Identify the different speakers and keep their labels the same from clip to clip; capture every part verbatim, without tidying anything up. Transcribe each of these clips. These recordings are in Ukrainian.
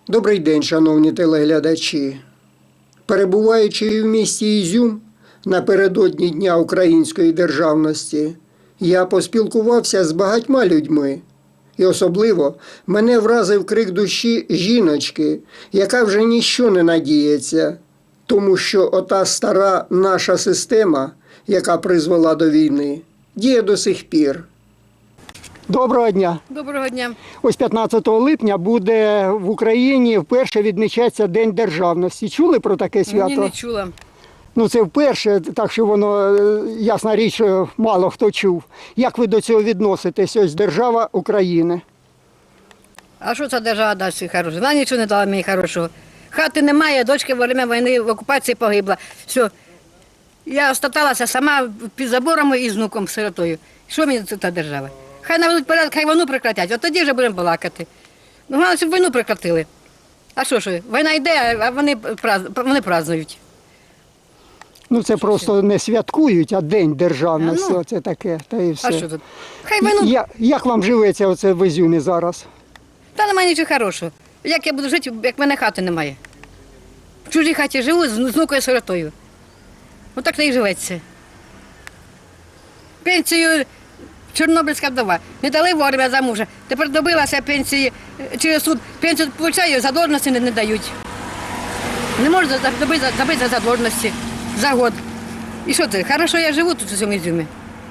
Speaker 1: Добрий день, шановні телеглядачі. Перебуваючи в місті Ізюм напередодні Дня української державності, я поспілкувався з багатьма людьми. І особливо мене вразив крик душі жіночки, яка вже ніщо не надіється, тому що ота стара наша система, яка призвела до війни, діє до сих пір. Доброго дня.
Speaker 2: Доброго дня.
Speaker 1: Ось п'ятнадцятого липня буде в Україні вперше відмічатися День державності. Чули про таке свято?
Speaker 2: Ні, не чула.
Speaker 1: Ну це вперше, так що воно, ясна річ, мало хто чув. Як ви до цього відноситесь? Ось держава України.
Speaker 2: А що ця держава дасть хорошого? Вона нічого не дала мені хорошого. Хати немає, дочка во время війни в окупації погибла. Все. Я остаталася сама під забором і з внуком, сиротою. Що мені ця держава? Хай наведуть порядок, хай війну прекратять, от тоді вже будемо балакати. Ну, головне, щоб війну прекратили. А що ж, війна йде, а вони, вони празднують.
Speaker 1: Ну це просто не святкують, а День державності,
Speaker 2: А, ну.
Speaker 1: оце таке, та і все.
Speaker 2: А що тут? Хай війну...
Speaker 1: Я, як вам живеться оце в Ізюмі зараз?
Speaker 2: Та немає нічого хорошого. Як я буду жити, як в мене хати немає? В чужій хаті живу з внукою сиротою. Отак не і живеться. Пенсію чорнобильська вдова. Не дали вовремя за мужа. Тепер добилася пенсії через суд. Пенсію отримую, задовженості не, не дають. Не можу добити за задовженості за год. І що це? Хорошо я живу тут у цьому Ізюмі.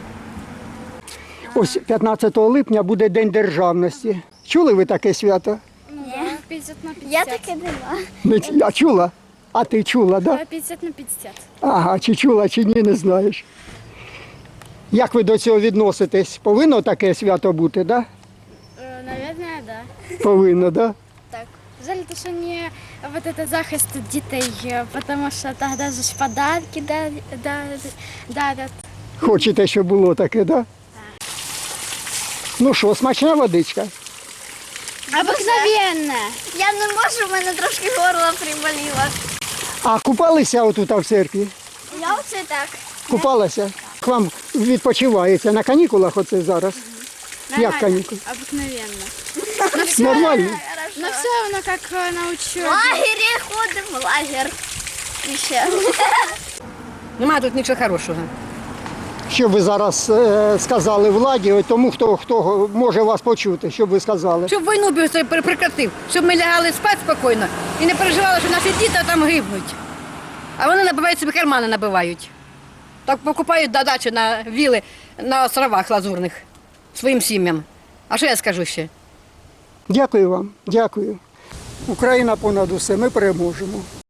Speaker 1: Ось п'ятнадцятого липня буде День державності. Чули ви таке свято?
Speaker 3: Ні. п'ятдесят на п'ятдесят. Я таке
Speaker 1: Не
Speaker 3: нема.
Speaker 1: ч- А чула? А ти чула, так? Да?
Speaker 3: п'ятдесят на п'ятдесят.
Speaker 1: Ага, чи чула, чи ні, не знаєш. Як ви до цього відноситесь? Повинно таке свято бути, так?
Speaker 3: Е, Наверное, да.
Speaker 1: Да? Повинно, так? Да?
Speaker 3: Так. Жаль, то, що не вот это захист дітей, е, потому що тоді ж подарки дарять. дарять.
Speaker 1: Хочете, щоб було таке, так? Да? Ну що, смачна водичка?
Speaker 3: Обыкновенно. Я не можу, в мене трошки горло приболіло.
Speaker 1: А купалися отут в церкві?
Speaker 3: Я оце так.
Speaker 1: Купалася? К вам відпочивається на канікулах оце зараз? Як канікули?
Speaker 3: Обыкновенно.
Speaker 1: Нормально?
Speaker 3: Ну все равно, как на учебе. В лагере ходим, в лагерь. І ще.
Speaker 2: Немає тут нічого хорошого.
Speaker 1: Що ви зараз е, сказали владі, от тому, хто, хто може вас почути, що б ви сказали?
Speaker 2: Щоб війну б це прекратив, щоб ми лягали спати спокійно і не переживали, що наші діти там гибнуть. А вони набивають собі кармани, набивають. Так покупають на дачі, на віли, на островах лазурних своїм сім'ям. А що я скажу ще?
Speaker 1: Дякую вам, дякую. Україна понад усе, ми переможемо.